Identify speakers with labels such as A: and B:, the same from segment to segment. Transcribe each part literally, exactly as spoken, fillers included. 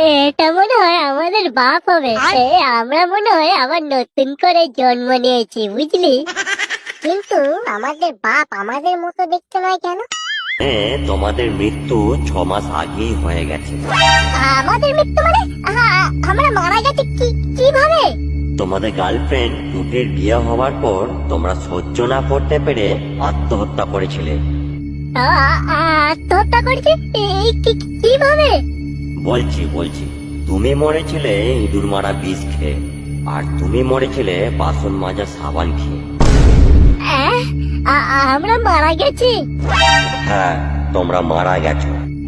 A: এটা মনে হয় আমাদের বাপ হবে। এ, আমরা মনে হয় আবার নতুন করে জন্ম নিয়েছি, বুঝলি?
B: কিন্তু আমাদের বাপ আমাদের মতো দেখতে নয় কেন?
C: হ্যাঁ, তোমাদের মৃত্যু ছ মাস আগেই হয়ে গেছে।
B: আমাদের মৃত্যু মানে আ- আমরা মারা গেছি কি কিভাবে?
C: তোমাদের গার্লফ্রেন্ড দুটির বিয়ে হওয়ার পর তোমরা সহ্য না করতে পেরে আত্মহত্যা করেছিলে।
A: আ- আ- আত্মহত্যা করেছে? এই কি- কিভাবে?
C: বলছি বলছি তুমি মরেছিলে ইঁদুর মারা বিষ খেয়ে, আর তুমি মরেছিলে বাসন মাজা সাবান খেয়ে।
A: আহ, আ- আমরা মারা গেছি?
C: হ্যাঁ, তোমরা মারা গেছো।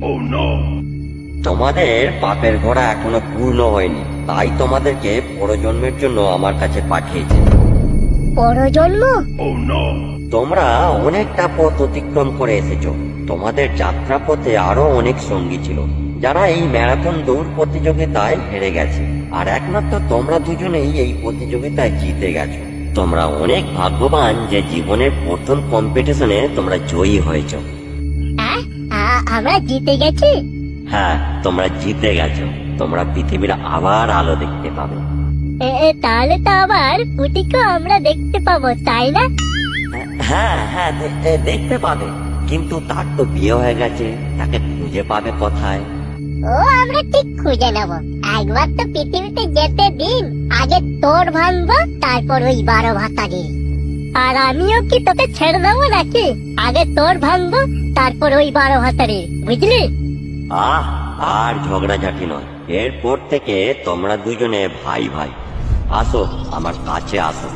C: তোমাদের পাপের ঘোড়া এখনো পূর্ণ হয়নি, তাই তোমাদেরকে পরজন্মের জন্য আমার কাছে পাঠিয়েছে।
A: পরজন্ম?
C: তোমরা অনেকটা পথ অতিক্রম করে এসেছো। তোমাদের যাত্রা পথে আরো অনেক সঙ্গী ছিল, যারা এই ম্যারাথন দৌড় প্রতিযোগিতায় হেরে গেছে, আর একমাত্র তোমরা দুজনেই এই প্রতিযোগিতায় জিতে গেছো। তোমরা অনেক ভাগ্যবান যে জীবনের প্রথম কম্পিটিশনে তোমরা জয়ী হয়েছো।
A: আহ, আ- আমরা জিতে গেছি?
C: হ্যাঁ, তোমরা জিতে গেছো। তোমরা পৃথিবীর আবার আলো দেখতে পাবে।
A: এ, এ, তাহলে তো আবার পুটিকে আমরা দেখতে পাবো, তাই না?
C: হ্যাঁ হ্যাঁ, দে- দে- দেখতে পাবে, কিন্তু তার তো বিয়ে হয়ে গেছে, তাকে খুঁজে পাবে কোথায়?
B: ও আমরা ঠিক খুঁজে নেব। একবার তো পৃথিবীতে যেতে দিন, আগে তোর ভাঙবো, তারপর ওই বারো ভাতারি।
A: আর আমিও কি তোকে ছেড়ে দেবো নাকি? আগে তোর ভাঙবো, তারপর ওই বারো হাতারে, বুঝলি?
C: আহ, আর ঝগড়াঝাটি নয়, এরপর থেকে তোমরা দুজনে ভাই ভাই। আসো আমার কাছে আসো।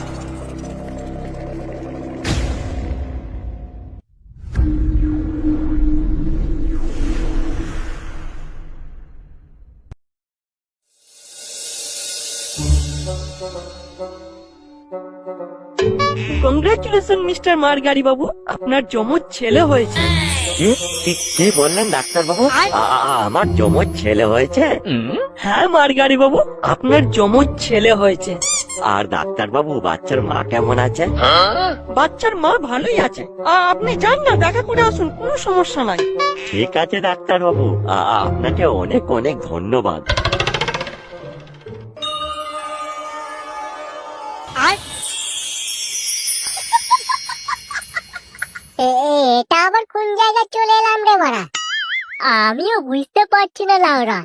D: কংগ্রাচুলেশন মিস্টার মারগাড়ি বাবু, আপনার যমজ ছেলে হয়েছে।
C: কি কি- কি বললেন ডাক্তার বাবু? আমার যমজ ছেলে হয়েছে?
D: হ্যাঁ মারগাড়ি বাবু, আপনার যমজ ছেলে হয়েছে।
C: আর ডাক্তার বাবু, বাচ্চার মা কেমন আছে?
D: বাচ্চার মা ভালোই আছে। আ- আপনি যান না, দেখা করে আসুন, কোনো সমস্যা নাই।
C: ঠিক আছে ডাক্তার বাবু, আপনাকে অনেক অনেক ধন্যবাদ।
B: এ, এ, এটা আবার কোন জায়গায় চলে এলাম রে মারা?
A: আমিও বুঝতে পারছি না লাউরা।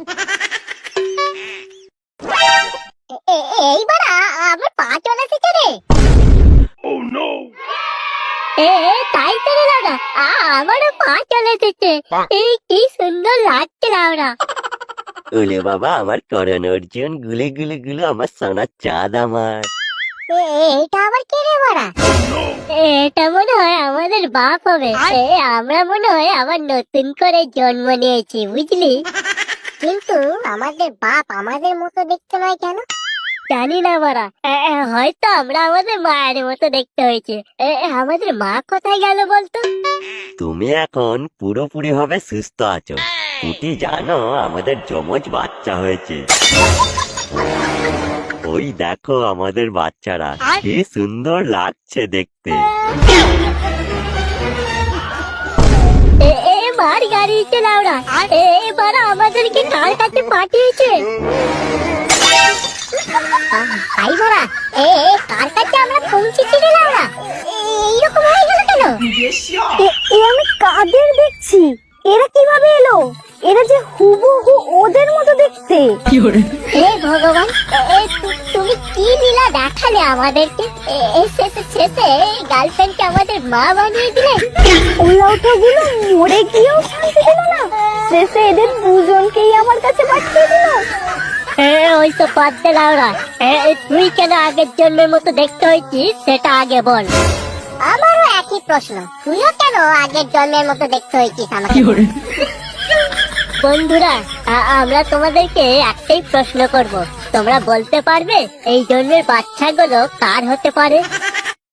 B: এ- এ- এইবার আ- আমার পা চলে এসেছে রে।
A: এ এ, তাই তো রে লাউরা, আ- আমারও পা চলে এসেছে। এই কি সুন্দর লাগছে লাউরা।
C: ওলে বাবা, আমার করণ অর্জুন, গুলে গুলে গুলো আমার সোনার চাঁদ আমার।
B: এ, এ, এটা আবার কে রে মারা?
A: এটা মনে হয় আমাদের বাপ হবে। এ, আমরা মনে হয় আবার নতুন করে জন্ম নিয়েছি, বুঝলি?
B: কিন্তু আমাদের বাপ আমাদের মতো দেখতে নয় কেন?
A: জানি না মারা, এ, এ, হয়তো আমরা আমাদের মায়ের মতো দেখতে হয়েছে। এ, এ, আমাদের মা কোথায় গেল বলতো?
C: তুমি এখন পুরোপুরি ভাবে সুস্থ আছো। তুমি জানো আমাদের যমজ বাচ্চা হয়েছে। ওই দেখো আমাদের বাচ্চারা, কি সুন্দর লাগছে দেখতে।
A: এ, এ, মার গাড়িতে লাউরা, এ, এবার আমাদেরকে কার কাছে পাঠিয়েছে?
B: ভাই মারা, এ এ, কার কাছে আমরা পৌঁছেছি রে লাউরা? এ- এইরকম হয়ে গেল কেন?
E: এ আমি কাদের দেখছি? এরা কিভাবে এলো? এরা যে হুবহু ওদের মতো দেখতে।
A: হে ভগবান, এ, এ, তু- তুমি কি লীলা দেখালে আমাদেরকে? এ, এ, শেষে শেষে গার্লফ্রেন্ডকে আমাদের মা বানিয়ে দিলে।
E: ওলাউঠাগুলো মরে গিয়েও শান্তি দিল না, শেষে এদের দুজনকেই আমার কাছে পাঠিয়ে দিল।
A: হ্যাঁ, ওই তো বাদ দে লাউরা। এ, এ, তুই কেন আগের জন্মের মতো দেখতে হয়েছিস সেটা আগে বল।
B: আমারও একই প্রশ্ন, তুইও কেন আগের জন্মের মতো দেখতে হয়েছিস আমাকে?
A: বন্ধুরা, আ- আমরা তোমাদেরকে একটাই প্রশ্ন করব, তোমরা বলতে পারবে এই জন্মের বাচ্চাগুলো কার হতে পারে?